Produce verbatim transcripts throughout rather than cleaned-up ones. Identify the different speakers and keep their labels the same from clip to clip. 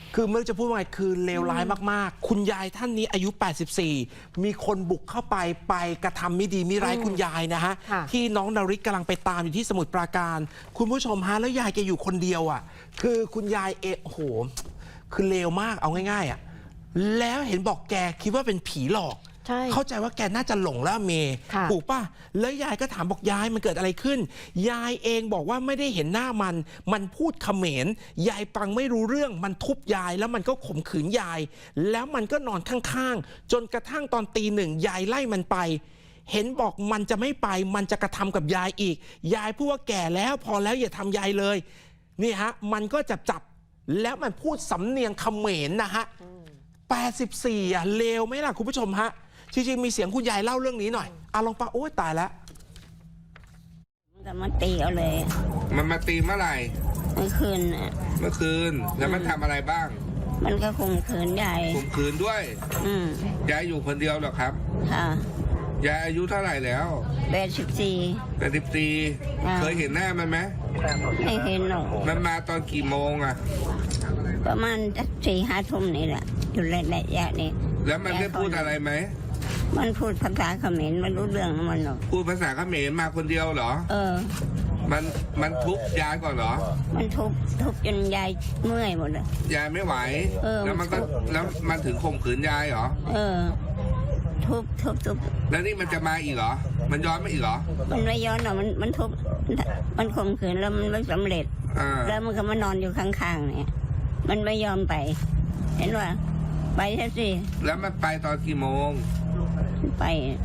Speaker 1: คือเมื่อจะพูดว่าไงคือเลวร้ายมากๆคุณยายท่านนี้อายุแปดสิบสี่มีคนบุกเข้าไปไปกระทำไม่ดีไม่ร้ายคุณยายนะฮะที่น้องนาริศกำลังไปตามอยู่ที่สมุทรปราการคุณผู้ชมฮะแล้วยายแกอยู่คนเดียวอ่ะคือคุณยายเอโอ้โหคือเลวมากเอาง่ายๆอ่ะแล้วเห็นบอกแกคิดว่าเป็นผีหลอกเข้าใจว่าแกน่าจะหลงแล้วเมย์ถูกป่ะแล้วยายก็ถามบอกยายมันเกิดอะไรขึ้นยายเองบอกว่าไม่ได้เห็นหน้ามันมันพูดเขมรยายฟังไม่รู้เรื่องมันทุบยายแล้วมันก็ข่มขืนยายแล้วมันก็นอนข้างๆจนกระทั่งตอนตีหนึ่งยายไล่มันไปเห็นบอกมันจะไม่ไปมันจะกระทำกับยายอีกยายพูดว่าแก่แล้วพอแล้วอย่าทำยายเลยนี่ฮะมันก็จับจับแล้วมันพูดสำเนียงเขมรนะฮะแปดสิบสี่อ่ะเลวไหมล่ะคุณผู้ชมฮะจริงๆมีเสียงคุณยายเล่าเรื่องนี้หน่อยอาลองปะโอ้ยตายแล้ว
Speaker 2: มันก็มาตีเอาเลย
Speaker 3: มันมาตีเมื่อไหร่
Speaker 2: เมื่อคืนอ่ะ
Speaker 3: เมื่อคืนแล้วมันทำอะไรบ้าง
Speaker 2: มันก็ข่มขืนยาย
Speaker 3: ข่มขืนด้วย
Speaker 2: อืม
Speaker 3: ยายอยู่คนเดียวหรอครับ
Speaker 2: ค่ะ
Speaker 3: ยายอายุเท่าไหร่แล้ว
Speaker 2: แปดสิบสี่
Speaker 3: แปดสิบสี่เคยเห็นหน้ามันไหม
Speaker 2: ไม่เห็นหรอก
Speaker 3: มันมาตอนกี่โมงอ่ะ
Speaker 2: ประมาณสี่ห้าทุ่มนี่แหละอยู่ระยะนี้
Speaker 3: แล้วมันได้พูดอะไรไหม
Speaker 2: มันพูดภาษาเขมรไม่รู้เรื่องมันหรอก
Speaker 3: พูดภาษาเขมรมาคนเดียวเหรอ
Speaker 2: เออ
Speaker 3: มันมันทุบยายก่อนเหรอ
Speaker 2: มันทุบทุบจนยายเมื่อยหมดเลย
Speaker 3: ยายไม่ไหวแล้วมันก็แล้วมันถึงข่มขืนยายเหรอ
Speaker 2: เออทุบทุบทุบ
Speaker 3: แล้วนี่มันจะมาอีกเหรอมันย้อนมาอีกเหรอ
Speaker 2: มันไม่ย้อนหรอกมันมันทุบมันข่มขืนแล้วมันไม่สำเร็จแล้วมันก็มานอนอยู่ข้างๆเนี่ยมันไม่ยอมไปเห็นว่าไปแค่สิ
Speaker 3: แล้วมันไปตอนกี่โมง
Speaker 2: ไป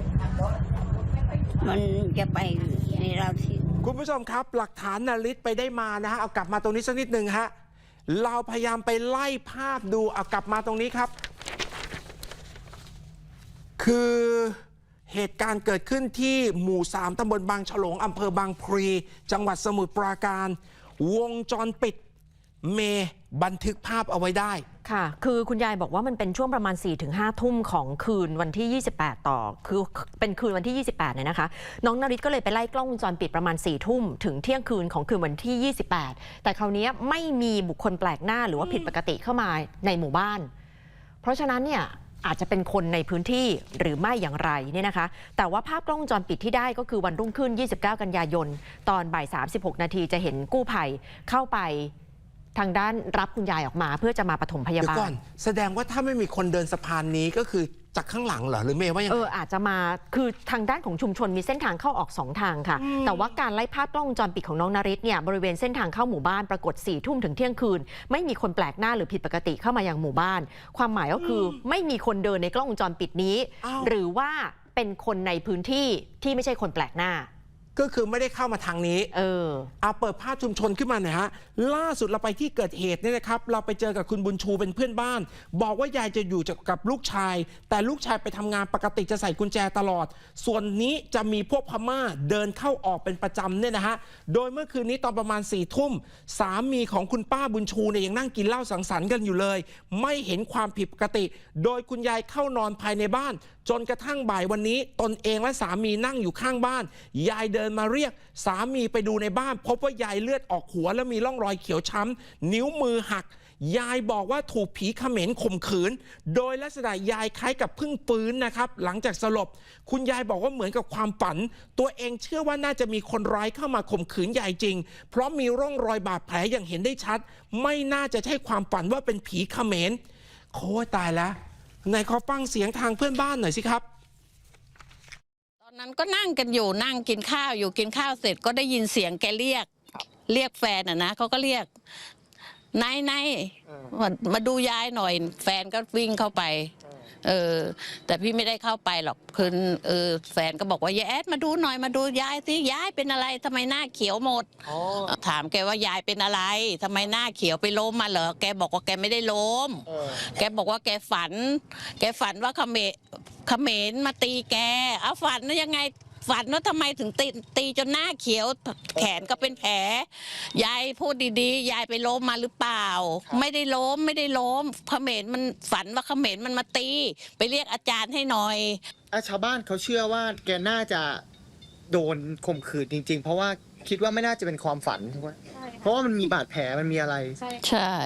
Speaker 2: มันจะไปในเราที่
Speaker 1: คุณผู้ชมครับหลักฐานนาริศไปได้มานะฮะเอากลับมาตรงนี้สักนิดหนึ่งฮะเราพยายามไปไล่ภาพดูเอากลับมาตรงนี้ครับคือเหตุการณ์เกิดขึ้นที่หมู่สามตำบลบางฉลงอำเภอบางพลีจังหวัดสมุทรปราการวงจรปิดเมย์บันทึกภาพเอาไว้ได้
Speaker 4: ค่ะคือคุณยายบอกว่ามันเป็นช่วงประมาณ สี่ถึงห้า ทุ่มของคืนวันที่ยี่สิบแปดต่อคือเป็นคืนวันที่ยี่สิบแปดเนี่ยนะคะน้องนาริศก็เลยไปไล่กล้องวงจรปิดประมาณ สี่ ทุ่มถึงเที่ยงคืนของคืนวันที่ยี่สิบแปดแต่คราวนี้ไม่มีบุคคลแปลกหน้าหรือว่าผิดปกติเข้ามาในหมู่บ้านเพราะฉะนั้นเนี่ยอาจจะเป็นคนในพื้นที่หรือไม่อย่างไรเนี่ยนะคะแต่ว่าภาพกล้องวงจรปิดที่ได้ก็คือวันรุ่งขึ้นยี่สิบเก้ากันยายนตอนบ่ายสามสิบหกนาทีจะเห็นกู้ภัยเข้าไปทางด้านรับคุณยายออกมาเพื่อจะมาปฐมพยาบาลเดี๋ยวก่อน
Speaker 1: แสดงว่าถ้าไม่มีคนเดินสะพานนี้ก็คือจากข้างหลังเหรอหรือเมย์ว่ายังไง
Speaker 4: เอออาจจะมาคือทางด้านของชุมชนมีเส้นทางเข้าออกสองทางค่ะแต่ว่าการไล่ภาพกล้องวงจรปิดของน้องนาริศเนี่ยบริเวณเส้นทางเข้าหมู่บ้านปรากฏสี่ทุ่มถึงเที่ยงคืนไม่มีคนแปลกหน้าหรือผิดปกติเข้ามายังหมู่บ้านความหมายก็คือไม่มีคนเดินในกล้องวงจรปิดนี้หรือว่าเป็นคนในพื้นที่ที่ไม่ใช่คนแปลกหน้า
Speaker 1: ก็คือไม่ได้เข้ามาทางนี้
Speaker 4: เออ
Speaker 1: เอาเปิดภาพชุมชนขึ้นมาหน่อยฮะล่าสุดเราไปที่เกิดเหตุเนี่ยนะครับเราไปเจอกับคุณบุญชูเป็นเพื่อนบ้านบอกว่ายายจะอยู่กับลูกชายแต่ลูกชายไปทำงานปกติจะใส่กุญแจตลอดส่วนนี้จะมีพวกพม่าเดินเข้าออกเป็นประจำเนี่ยนะฮะโดยเมื่อคืนนี้ตอนประมาณสี่ทุ่มสามีของคุณป้าบุญชูเนี่ยยังนั่งกินเหล้าสังสรรค์กันอยู่เลยไม่เห็นความผิดปกติโดยคุณยายเข้านอนภายในบ้านจนกระทั่งบ่ายวันนี้ตนเองและสามีนั่งอยู่ข้างบ้านยายเดินมาเรียกสามีไปดูในบ้านพบว่ายายเลือดออกหัวและมีร่องรอยเขียวช้ำนิ้วมือหักยายบอกว่าถูกผีเขมรข่มขืนโดยลักษณะยายคล้ายกับเพิ่งฟื้นนะครับหลังจากสลบคุณยายบอกว่าเหมือนกับความฝันตัวเองเชื่อว่าน่าจะมีคนร้ายเข้ามาข่มขืนยายจริงเพราะมีร่องรอยบาดแผลอย่างเห็นได้ชัดไม่น่าจะใช่ความฝันว่าเป็นผีเขมรโค้ตายแล้วไหนขอฟังเสียงทางเพื่อนบ้านหน่อยสิครับ
Speaker 5: ตอนนั้นก็นั่งกันอยู่นั่งกินข้าวอยู่กินข้าวเสร็จก็ได้ยินเสียงแกเรียกเรียกแฟนอ่ะนะเขาก็เรียกนายนายมาดูยายหน่อยแฟนก็วิ่งเข้าไปเออแต่พี่ไม่ได้เข้าไปหรอกคือเออแฟนก็บอกว่ายายแอดมาดูหน่อยมาดูยายสิยายเป็นอะไรทำไมหน้าเขียวหมดถามแกว่ายายเป็นอะไรทำไมหน้าเขียวไปล้มมาเหรอแกบอกว่าแกไม่ได้ล้มแกบอกว่าแกฝันแกฝันว่าเขมรเขมรมาตีแกเอาฝันนะยังไงฝันว่าทำไมถึงตีตีจนหน้าเขียวแขนก็เป็นแผลยายพูดดีๆยายไปล้มมาหรือเปล่าไม่ได้ล้มไม่ได้ล้มเขมรมันฝันว่าเขมรมันมาตีไปเรียกอาจารย์ให้หน่อย
Speaker 6: ชาวบ้านเขาเชื่อว่าแกน่าจะโดนข่มขืนจริงๆเพราะว่าคิดว่าไม่น่าจะเป็นความฝันเพราะว่ามันมีบาดแผลมันมีอะไร
Speaker 5: ใช่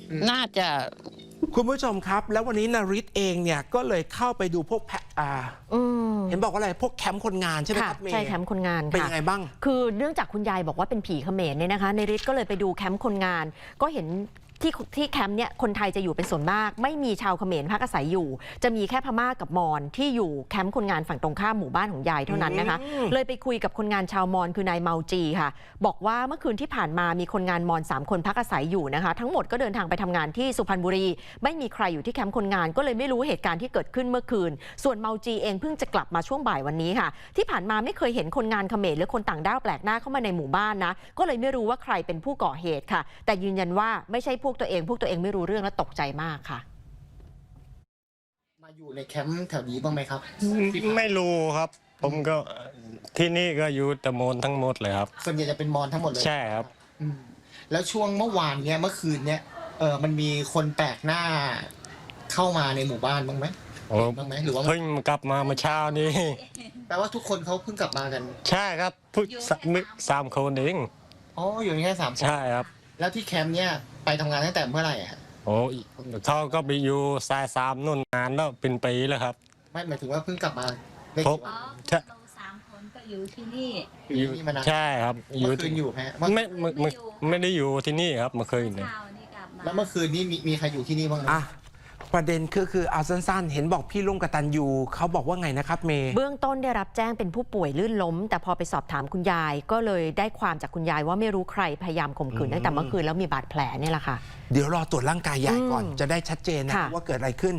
Speaker 5: น่าจะ
Speaker 1: คุณผู้ชมครับ แล้ววันนี้นริศเองเนี่ยก็เลยเข้าไปดูพวกแพะอ่า
Speaker 4: อืม
Speaker 1: เห็นบอกว่าอะไรพวกแคมป์คนงานใช่ไหม
Speaker 4: ค่ะ
Speaker 1: ครับเมย์
Speaker 4: ใช่แคมป์คนงาน
Speaker 1: เป็น
Speaker 4: ค่ะ
Speaker 1: ยังไงบ้าง
Speaker 4: คือเนื่องจากคุณยายบอกว่าเป็นผีเขมรเนี่ยนะคะในฤทธิ์ก็เลยไปดูแคมป์คนงาน ก็เห็นที่ที่แคมป์เนี่ยคนไทยจะอยู่เป็นส่วนมาก ไม่มีชาวเขมรพักอาศัยอยู่ จะมีแค่พม่ากับมอญที่อยู่แคมป์คนงานฝั่งตรงข้ามหมู่บ้านของยายเท่านั้นนะคะ
Speaker 1: อืม
Speaker 4: เลยไปคุยกับคนงานชาวมอญคือนายเมาจีค่ะ บอกว่าเมื่อคืนที่ผ่านมามีคนงานมอญสามคนพักอาศัยอยู่นะคะ ทั้งหมดก็เดินทางไปทำงานที่สุพรรณบุรี ไม่มีใครอยู่ที่แคมป์คนงานก็เลยไม่รู้เหตุการณ์ที่เกิดขึ้นเมื่อคืน ส่วนเมาจีเองเพิ่งจะกลับมาช่วงบ่ายวันนี้ค่ะ ที่ผ่านมาไม่เคยเห็นคนงานเขมรหรือคนต่างด้าวแปลกหน้าเข้ามาในหมู่บ้านนะ ก็เลยไม่รู้ว่าใครเป็นผู้ก่อเหตุค่ะ แต่ยืนยันว่าไม่ใช่พวกตัวเอง พวกตัวเองไม่รู้เรื่องและตกใจมากค่ะ
Speaker 6: มาอยู่ในแคมป์แถวนี้บ้างไหมครับ
Speaker 7: ไม่รู้ครับ ผมก็ที่นี่ก็อยู่แต่มนทั้งหมดเลยครับ
Speaker 6: ส่วนใหญ่จะเป็นมอญทั้งหมดเลย
Speaker 7: ใช่ครับ
Speaker 6: อืมแล้วช่วงเมื่อวานเนี้ยเมื่อคืนเนี้ยเออมันมีคนแปลกหน้าเข้ามาในหมู่บ้านบ้างไหม
Speaker 7: โอ้
Speaker 6: บ้างไหมหรือว่า
Speaker 7: เพิ่งกลับมาเมื่อเช้านี้
Speaker 6: แปลว่าทุกคนเขาเพิ่งกลับมากัน
Speaker 7: ใช่ครับเพิ่งสามสามคนเอง
Speaker 6: อ๋ออยู่แค่สามคน
Speaker 7: ใช่ครับ
Speaker 6: แล้วที่แคมป์เนี้ยไปทำงานตั้งแต่เมื่อไหร่อะฮะ
Speaker 7: โอ้เขาก็ไปอยู่สายสามนู่นนานแล้วเป็นปีแล้วครับ
Speaker 6: ไม่หมายถึงว่าเพิ่งกลับมาได้
Speaker 7: พบ
Speaker 6: กี่วัน
Speaker 7: ใช่
Speaker 8: เราสามคนก็อยู่ที่นี่
Speaker 6: อยู่ที่นี่มานาน
Speaker 7: ใช่ครับอ
Speaker 6: เมื่
Speaker 7: ยู่
Speaker 6: อคืนอยู่ไหมฮะเมื่อ
Speaker 7: ไม่ไม่ไม่ไม่ได้อยู่ที่นี่ครับเมื่อคืนเนี่ย
Speaker 8: เช้านี่กลับมา
Speaker 6: แล้วเมื่อคืนนี้มีมีใครอยู่ที่นี่บ้างไหม
Speaker 1: อ่ะประเด็นคือคือเอาสั้นๆ เห็นบอกพี่ลุงกตันยูเขาบอกว่าไงนะครับเมย์
Speaker 4: เบื้องต้นได้รับแจ้งเป็นผู้ป่วยลื่นล้ม แต่พอไปสอบถามคุณยาย ก็เลยได้ความจากคุณยายว่าไม่รู้ใครพยายามข่มขืนตั้งแต่เมื่อคืนแล้วมีบาดแผลเนี่ยแหละค่ะ
Speaker 1: เดี๋ยวรอตรวจร่างกายยายก่อน
Speaker 4: อืม
Speaker 1: จะได้ชัดเจนนะ
Speaker 4: ค่ะ
Speaker 1: ว่าเกิดอะไรขึ้น